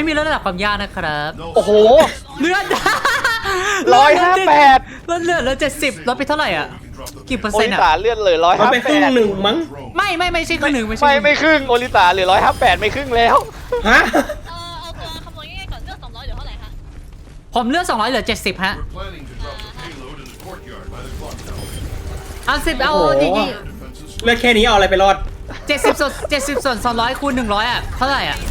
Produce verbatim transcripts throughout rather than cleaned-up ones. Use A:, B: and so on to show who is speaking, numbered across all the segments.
A: ไม่มีระดับความยากนะครับ
B: โอ้โห
A: เลือด
B: ร้อยห้าแปด
A: ลดเลือดแล้วเจ็ดสิบลดไปเท่าไหร่อ่ะกี่เปอร์
B: โอ
A: เซ็น
B: ลิ
A: ต์
B: สา
A: อ่ะ
B: เลื่อนเลยร้อย
C: มัน
B: ห้า
C: ไปค
B: แป
C: รึ่ง
B: ด
C: หนึ่งมั้ง
A: ไม่ไม่ไม่ใช่ครึ่งหนึ่งไม่ใช่
B: ไม่ไม่ครึ่งโอลิสาเหลือร้อยห้าแปดไม่ครึ่งแล้ว
C: ฮะ
D: เออเอาตัวคำนวณง่ายๆก่อนเลือกสองร้อยเหลือเท่าไหร่คะ
A: ผมเลือดสองร้อยเหลือเจ็ดสิบฮะ
E: We're planning to drop the payload in the courtyard by the clock tower.
A: เอาสิบเอา
C: โอ้โห
A: จริง
E: Defenses
C: เลือดแค่นี้เอาอะไรไปรอด
A: เจ็ดสิบส่วนเจ็ดสิบส่วนสองร้อยคูณหนึ่งร้อยอ่ะเท่าไหร่อ่ะ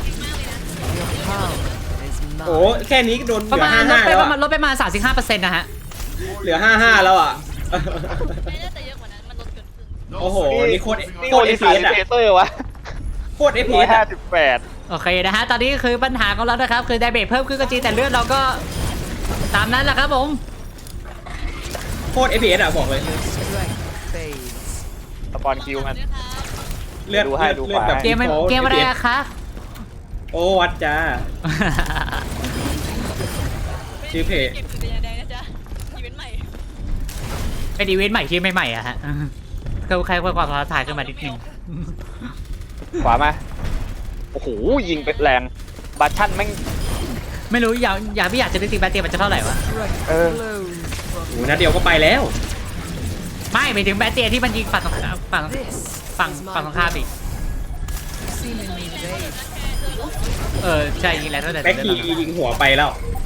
C: โอ้แค่นี้ก็โดนเห
A: ประ
C: ลือ
A: มาณ
C: ห้า
A: ลด
C: ห้า
A: ไป
C: แล้ว
A: ประมาณ
C: อะ
A: ลดไปประมาณสามสิบห้าเปอร์เซ็นต์นะฮะ
C: เหลือห้าห้าแล้วอ่ะ
D: ไม่น่าจะเยอะกว่านั้นมันลดเกินครึ่ง
E: no
C: โอ้โห
E: signal
C: นี่โคตร
E: moving
B: นี่
C: โค
B: โอ
C: ตร
B: ลิ
C: เอฟ
B: สา
C: เอ
B: ห
C: ส
B: รือ
C: อะ
B: เทเซอร์วะ
C: โคตรเอฟเอ
B: ร้อย
C: ส
B: ห้า
C: อะ
B: สิบแปด
A: โอเคนะฮะตอนนี้คือปัญหาของเรานะครับคือไดเบทเพิ่มขึ้นก็จริงแต่เลือดเราก็ตามนั้นแหละครับผม
C: โคตรเอฟเอสอะบอกเลย
B: สปอนคิวมัน
D: ด้วยครับ
C: เลือด
B: ดูให้ดู
C: เลือดแบบ
A: เกมมันเกมอะไรอะคะ
C: โอ้วัดจ้า ชื่อเพจ
D: เก็บอยู่ในแดงนะจ๊ะอีเวนต์ใหม่
A: เป็นอีเวนต์ใหม่ที่ไม่ใหม่อะฮะก็ใครเพิ่มความท้าทายขึ้นมานิดนึง
B: ขวามาโอ้โหยิงเป็นแรงบัตชั่นแม่ง
A: ไม่รู้อยากอยากไม่อยากจะนึกถึงแบตเตอรี่มันจะเท่าไหร่วะ
B: เออ
C: โอ้นัดเดียวก็ไปแล้ว
A: ไม่ไปถึงแบตเตอรี่ที่มันยิงฝั่งตรงฝั่งฝั่งฝั่งตรงข้ามอีกเออใช่ยิงแล้วเท่าไหร่
C: แบ็คคียิงหัวไปแล้ว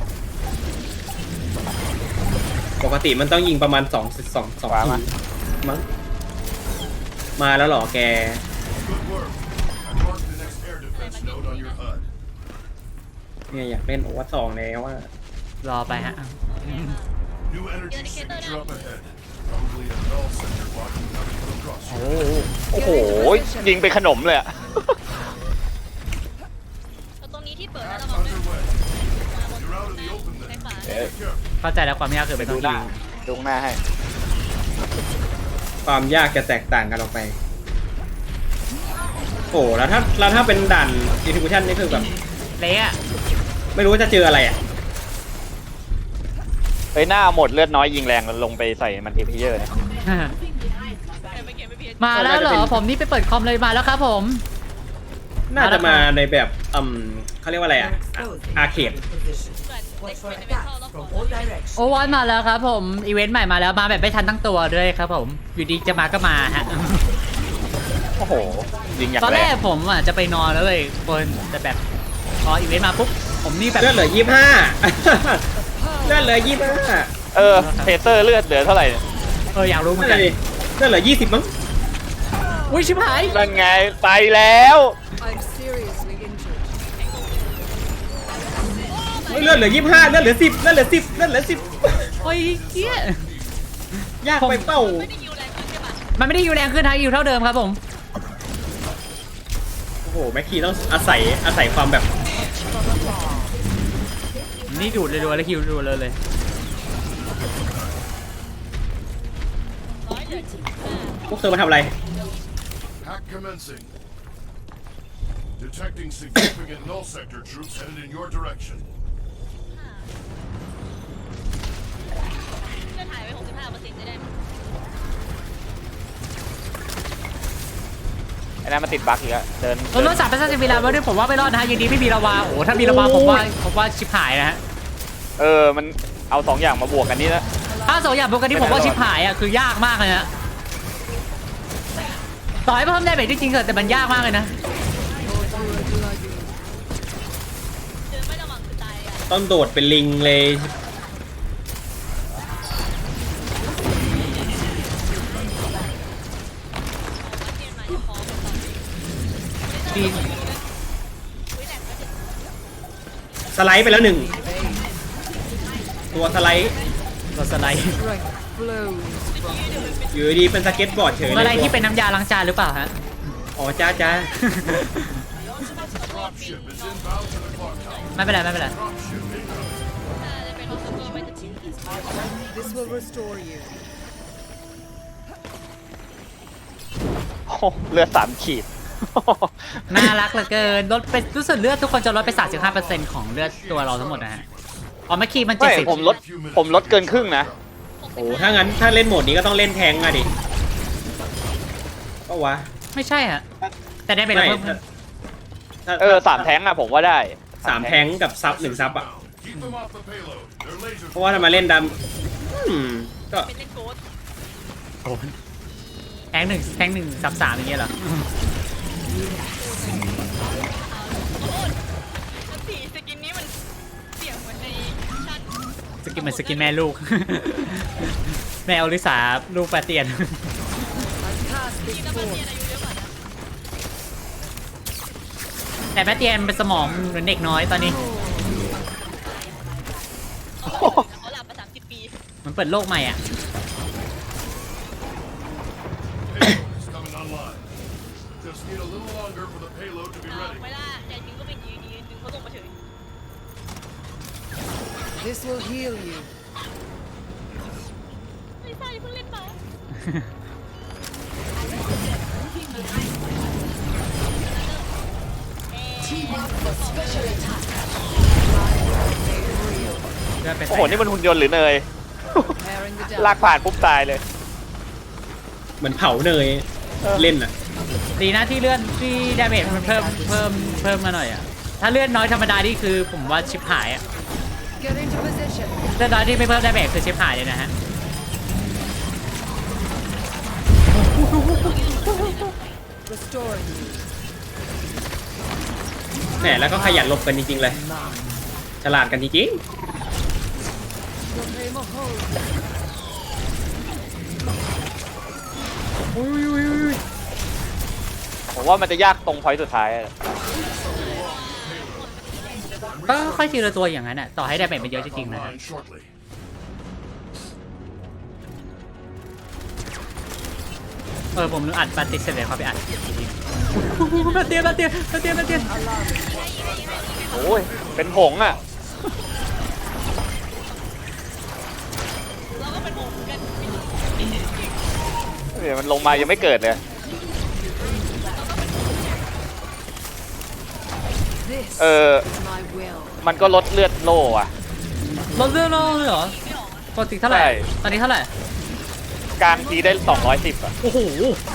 C: ปกติมันต้องยิงประมาณสองสองสองทีมั้งมาแล้วเหรอแก
E: Good work. I marked the next air defense node on your H U D.
C: เนี่ยอยากเล่นโอวัตสองแล้วว่า
A: รอไปฮะ
E: New energy signature up ahead. Probably a null sector blocking coming from across.
B: โอ้โหโอ้โหยิงเป็นขนมเลยอะ
D: แล้วตรงนี้ที่เปิดแล้วระวังด้วย
E: Underway. You're out in the open
D: ใน
E: then.
D: ฝา
B: เอ๊ะ
E: Be careful.
A: เข้าใจแล้วความยากคือเป็น
B: ดู
A: ต้อง
B: ห
A: ยิ
B: น้าง ดูหน้าให้
C: ความยากจะแตกต่างกันออกไป โอ้แล้วถ้าแล้วถ้าเป็นด่าน distribution นี่คือแบบ
A: เละอะ
C: ไม่รู้ว่าจะเจออะไรอ่ะ
B: เฮ้ยหน้าหมดเลือดน้อยยิงแรงลงไปใส่มันเอพีเยอร์เนี่ย
D: ไม่เก็บไม่เพีย
A: มาแล้วเหรอผมนี่ไปเปิดคอมเลยมาแล้วครับผม
C: น่าจะมาในแบบอืมเขาเรียกว่าอะไรอ่ะอาร์เคด
D: เหมือนเด็กเป็นเมทัลแล้วก่อน
A: โอวันมาแล้วครับผมอีเวนต์ใหม่มาแล้วมาแบบไม่ทันตั้งตัวด้วยครับผมอยู่ดีจะมาก็มาฮะ
B: โอ้โหยิงอย่าง
A: ตอน
B: แร
A: แรก
B: ง
A: ผมอ่ะจะไปนอนแล้วเลยคนแต่แบบพออีเวนต์มาปุ๊บผมนี่แบบ
C: เลือดเหลือยี่ห้า เลือดเหลือยี่ห้า
B: เออเทเซอร์เลือดเหลือเท่าไหร่เนี่ย
A: เอออยากรู้เหมือน
C: นั่น
A: กัน
C: เลยเลือดเหลือยี่สิบมั้ง
A: อุ้ยชิบหาย
B: นั่นไงไปแล้ว
F: I'm seriously injured.
C: เลือดเหลือยี่ห้าเลือดเหลือสิบเลือดเหลือสิบเลือดเหลือสิบ
A: โอ้ยเกี้ย
C: ยากไปเป้า
D: ไม่ได้ยิวแรงขึ้นใช่ปะ
A: มันไม่ได้อยู่แรงขึ้นฮะอยู่เท่าเดิมครับผม
C: โอ้โหแม็กคีต้องอาศัยอาศัยความแบบ
A: นี่ดูดเลยดูแล้วคิวดูเลยเลย
D: ร้อยเหลือสิบห้า
C: พวกเธอมาทำอะไร
E: Hack commencing. Detecting significant null sector troops headed in your direction.
D: เลือดหายไปหกสิบห้าเปอร์เซ็นต์จะได้ไหม
B: ไอ้นั่นมันติดบั๊กอีกแล้วเดิน
A: รถรถสามพันสิบวิลาว่าด้วยผมว่าไม่รอดนะฮะยังดีไม่มีระวาโอ้ถ้ามีระวาผมว่าผมว่าชิบหายนะฮะ
B: เออมันเอาสองอย่างมาบวกกันนี่นะ
A: ถ้าสองอย่างปกติผมว่าชิบหายอ่ะคือยากมากเลยนะต่อให้เพิ่มได้แบบจริงๆเถอะแต่มันยากมากเลยนะ
D: เดินไม่ระวังคือตายอ่ะ
C: ต้องโดดเป็นลิงเลย
D: วัดเกณฑ์มาจะพอกับตอนนี้
A: ดี
D: อุ้ยแหลกแล้วถึง
C: สไลด์ไปแล้วหนึ่งตัวสไลด์
A: รถสไลด์
F: Strength flows from
C: อยู่ดีๆเป็นสเก็ตบอร์ดเฉยเลย
A: อะไรที่เป็นน้ำยาล้างจานหรือเปล่าฮะ
C: อ๋อจ้าจ้า
E: Dropship is inbound to the clock tower.
A: ไม่เป็นไรไม่เป็นไร
E: Dropship incoming.
D: ถ้าจะเป็นรถสกูไม่จะทิ้ง
F: this will restore you.
B: โอ้โหเลือดสามขีด
A: น่ารักเหลือเกินลดไปรู้สึกเลือดทุกคนจะลดไป สามสิบห้าเปอร์เซ็นต์ ของเลือดตัวเราทั้งหมดนะฮะอ๋อเมื่อกี้มัน
B: ไม่
A: เจ็ดสิบ
B: ผมลดผมลดเกินครึ่งนะ
C: โอ้ถ้างั้นถ้าเล่นโหมดนี้ก็ต้องเล่นแทงก์อะดิก็วะ
A: ไม่ใช่ฮะแต่ได้เป็น
C: ไม่
A: เพิ่ม
C: ถ้าถ้า
B: เออสามแท้งอะผมว่าได้
C: สามแทงกับซับหนึ่งซับอ่ะ
E: Keep them off the payload. Their lasers
C: เพราะว่าถ้ามาเล่นดำอืมก็
D: เป็นเล่นโกด
A: แทงหนึ่งแทงหนึ่งซับสามอย่างเงี้ยเหรอ
D: แล้วสีสกินนี้มันเสียงเหมือนในชั้น
A: สกินเหมือนสกินแม่ลูก แม่อลิสาลูกปลาเตียน
F: I cast
D: ที่แล้วมัน
F: before.
D: เรียนอายุเยอะกว่านะ
A: แต่แม่เตียนเป็นสมองเหมือนเด็กน้อยตอนนี้
D: เขาหลับมาสามสิบปี
A: มันเปิดโลกใหม่อ่ะ
E: payload is coming online. Just need a little longer for the payload to be
D: เอา
E: ready.
D: ไม่ล่ะแต่จริงก็เป็นยืนยืนดึงเขาลงมาเฉย
F: This will heal you.
D: ไม่ใช่เพิ่งเล่นมา
B: โอ้โห นี่มันหุ่นยนต์หรือเนย
F: Preparing the
B: ลาก
F: dam.
B: ผ่านปุ๊บตายเลย
C: เหมือนเผาเนยเล่นอ่ะ
A: ดีนะที่เลื่อนที่ดาเมจมันเพิ่มเพิ่มเพิ่มมาหน่อยอ่ะ ถ้าเลื่อนน้อยธรรมดานี่คือผมว่าชิปหายอ่ะ
F: Get into position.
A: เลื่อนน้อยที่ไม่เพิ่มดาเมจคือชิปหายเลยนะฮะ
F: Restoring you.
C: แหมแล้วก็ขยันหลบกันจริงๆเลย ฉลาดกันจริง
F: Proclaim a hold.
B: ผมว่ามันจะยากตรงพอยต์สุดท้ายอะ
A: ก็ค่อยทีละตัวอย่างนั้นอ่ะ ต่อให้ดาเมจมันเยอะจริงๆนะฮะ
E: Online shortly.
A: เออผมนึกอัดปาติเสร็จเลยเขาไปอัดปาเตียนปาเตียนปาเตียนปาเตียน
B: โอ้ย เป็นผงอ่ะ
D: เราก็เป็นหมู่กัน
B: เดี๋ยวมันลงมายังไม่เกิดเลย
F: This
B: เออ
F: is my will.
B: มันก็ลดเลือดโล่อะ
A: ลดเรื่องโลกเลยเหรอปกติเท่าไหร่
B: ใช่
A: ตอนนี้เท่าไหร่
B: กลางทีได้สองร้อยสิบอะ
A: โอ้โห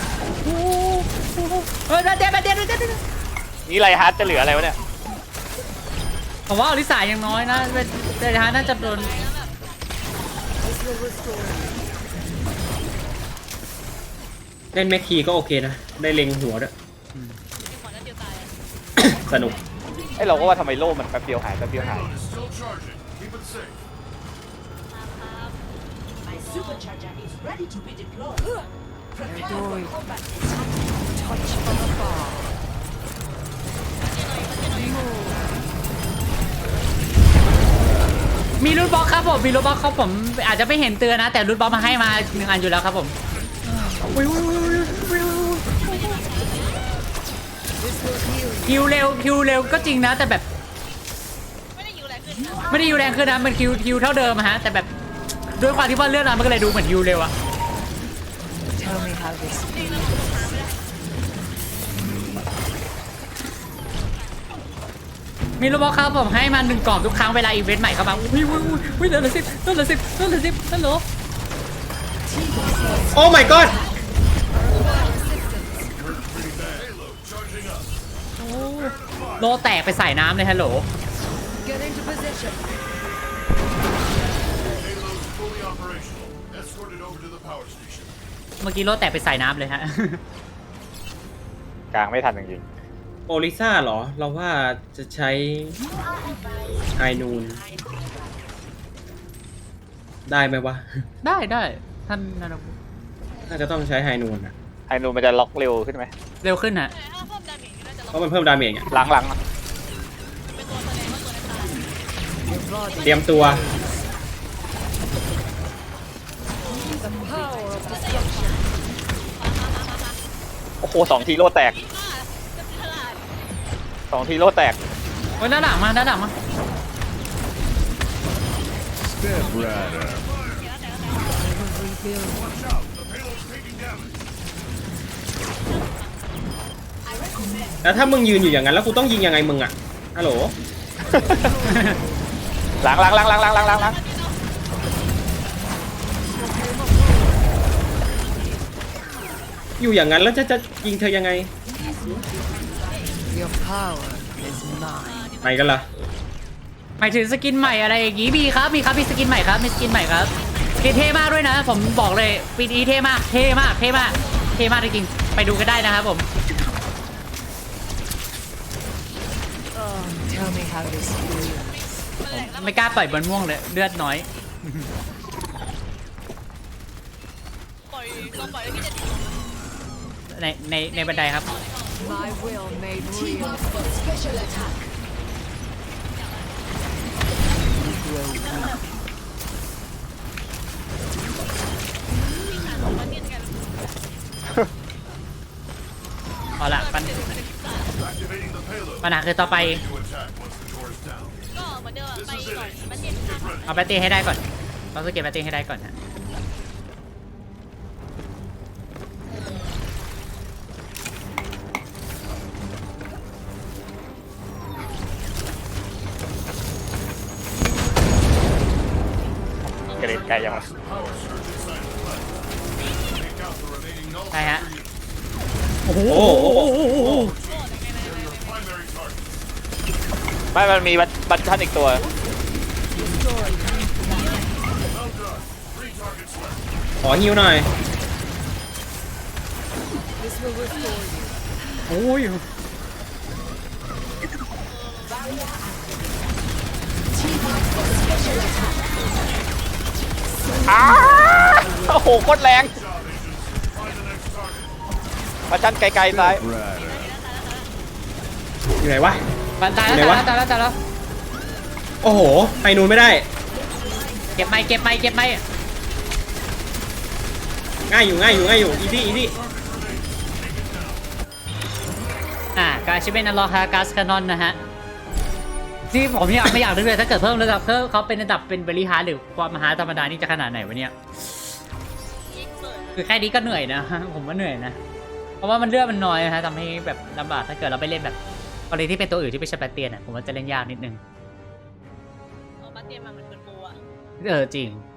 A: เออปาเตียนปาเตียนปาเตียน
B: นี่ไรฮาร์ดจะเหลืออะไรวะเนี่ย
A: ผมว่าอลิสายังน้อยนะเป็นเดนฮาน่าจะโดน
F: This will restore you.
C: ๆ เล่นแม็กคีก็โอเคนะ ได้เล็งหัวด้วย
D: เป็นหัวนัดเดียวตาย
C: สนุก
B: ไอเราก็ว่าทำไมโล่มันแป๊บเดียวหายแป๊บเดียวหาย
E: Payload is still charging. Keep it safe.
D: ครับ
G: My supercharger is ready to be deployed. Prepare for
F: Adoy.
G: combat.
F: Touch from afar.
A: มีรูทบล็อกครับผมมีรูทบล็อกครับผมอาจจะไม่เห็นเตือนนะ แต่รูทบล็อกมาให้มาหนึ่งอันอยู่แล้วครับผม
F: This will heal you.
A: คิวเร็วคิวเร็วก็จริงนะ แต่แบบ
D: ไม่ได้อยู่แรงขึ้นนะ
A: ไม่ได้คิวแรงขึ้นนะมันคิวคิวเท่าเดิมอะฮะแต่แบบด้วยความที่ว่าเลื่อนมามันก็เลยดูเหมือนคิวเร็วอะ
F: Tell me how this feels.
A: มีรูทบล็อกครับผมให้มาหนึ่งกล่องทุกครั้งเวลาอีเวนต์ใหม่เข้ามาอุ้ยอุ้ยอุ้ยอุ้ยเหลือเหลือสิบเหลือสิบเหลือสิบฮัลโหล
C: โอ้ my god
E: Payload charging up.
A: โลแตกไปใส่น้ำเลยฮัลโหล
F: Get into position.
E: Payload fully operational. Escorted over to the power station.
A: เมื่อกี้โลแตกไปใส่น้ำเลยฮะ
B: กลางไม่ทันจริง
C: โอลิซ่าเหรอ เราว่าจะใช้ไฮนูน ได้ไหมวะ
A: ได้ได้ท่านนาราบุ
C: น่าจะต้องใช้ไฮนูนอะ
B: ๆไฮนูมันจะล็อกเร็วขึ้นไหม
A: เร็วขึ้นฮะ
D: แต่ถ้าเพิ่มดาเมจก็น่าจะล
C: เพ
D: ด
C: ราะมันเพิ่มดาเมจอะ
B: หลังๆอะ
D: เป็นตัวแสดงว่าตัวนั้นตาย
F: Your body.
C: เตรียมตัว
F: The power of destruction.
B: โอ้โหสองทีโล่แตก
D: ว่าจะฉลาด
B: สองทีโล่แตก
A: โอ้ยด้านหลังมาด้านหลังมา
E: Step right up.
F: Rebuild.
E: Watch out. The payload's taking damage.
C: แล้วถ้ามึงยืนอยู่อย่างนั้นแล้วกูต้องยิงยังไงมึงอะฮัลโหล
B: หลังหลังหลังหลังหลังหลังหลังหลัง
C: อยู่อย่างนั้นแล้วจะจะยิงเธอยังไง
F: Your power is mine.
C: ไปกันละ
A: หมายถึงสกินใหม่อะไรอย่างงี้มีครับมีครับมีสกินใหม่ครับมีสกินใหม่ครับเท่มากด้วยนะ ผมบอกเลยปีนี้เท่มากเท่มากเท่มากเท่มากจริงๆไปดูกันได้นะครับผม
F: Oh, tell me how this feels.
A: ไม่กล้าปล่อยบนม่วงเลยเลือดน้อย
D: ปล่อยก็ปล่อยแล้วพี่จะ
A: ในในในบันไดครับ
F: My will made
G: Team
F: real.
G: up for special attack.
D: มาเทียนกัน
A: เอาละปัญ
E: Activating the payload.
A: ปัญหาคือต่อไป
E: To attack once the door is down.
D: ก็เหมือนเดิมอะไปก่อนมาเทียนกัน
A: เอาแบตเตอรี่ให้ได้ก่อนต้องสเก็ตแบตเตอรี่ให้ได้ก่อนฮะ
B: กระเด็นไกลยังวะ
E: Power surge inside the platform. Take out the remaining null
A: ใช่ฮะ
C: โอ้โหโอ้โหโอ้โห
E: your primary target.
B: ไม่มันมีบัตชันอีกตัว
E: Well done. Three targets left.
C: ขอฮิวหน่อย
F: This will restore you.
A: โอ้ย
B: อ้าโอ้โหโคตรแรง
E: Job, agents. Find the next target.
B: บัตชันไกลๆซ้าย
C: อยู่ไหนวะ
A: ปันตายแล้ว
C: ไหนวะ
A: ตายแล้วตายแล้วตายแล้ว
C: โอ้โห ไปนูนไม่ได้
A: เก็บไม้เก็บไม้เก็บไม้
C: ง่ายอยู่ง่ายอยู่ง่ายอยู่ อีซี่อีซี่
A: อ่าการชิเป็นอัลลอฮากัสคานอนนะฮะที่ผมอยากไม่อยากนึกเลยถ้าเกิดเพิ่มระดับเพิ่มเขาเป็นระดับเป็นบริหารหรือความมหาธรรมดานี่จะขนาดไหนวะเนี่ย
D: ยิงเปิด
A: คือแค่นี้ก็เหนื่อยนะ ผมว่าเหนื่อยนะ เพราะว่ามันเลือดมันน้อยนะฮะทำให้แบบลำบากถ้าเกิดเราไปเล่นแบบกรณีที่เป็นตัวอื่นที่ไม่ใช่แบตเตียนอ่ะผมว่าจะเล่นยากนิดนึง
D: เอามาเทียนมามันเป็นโบอะ
A: เออจริง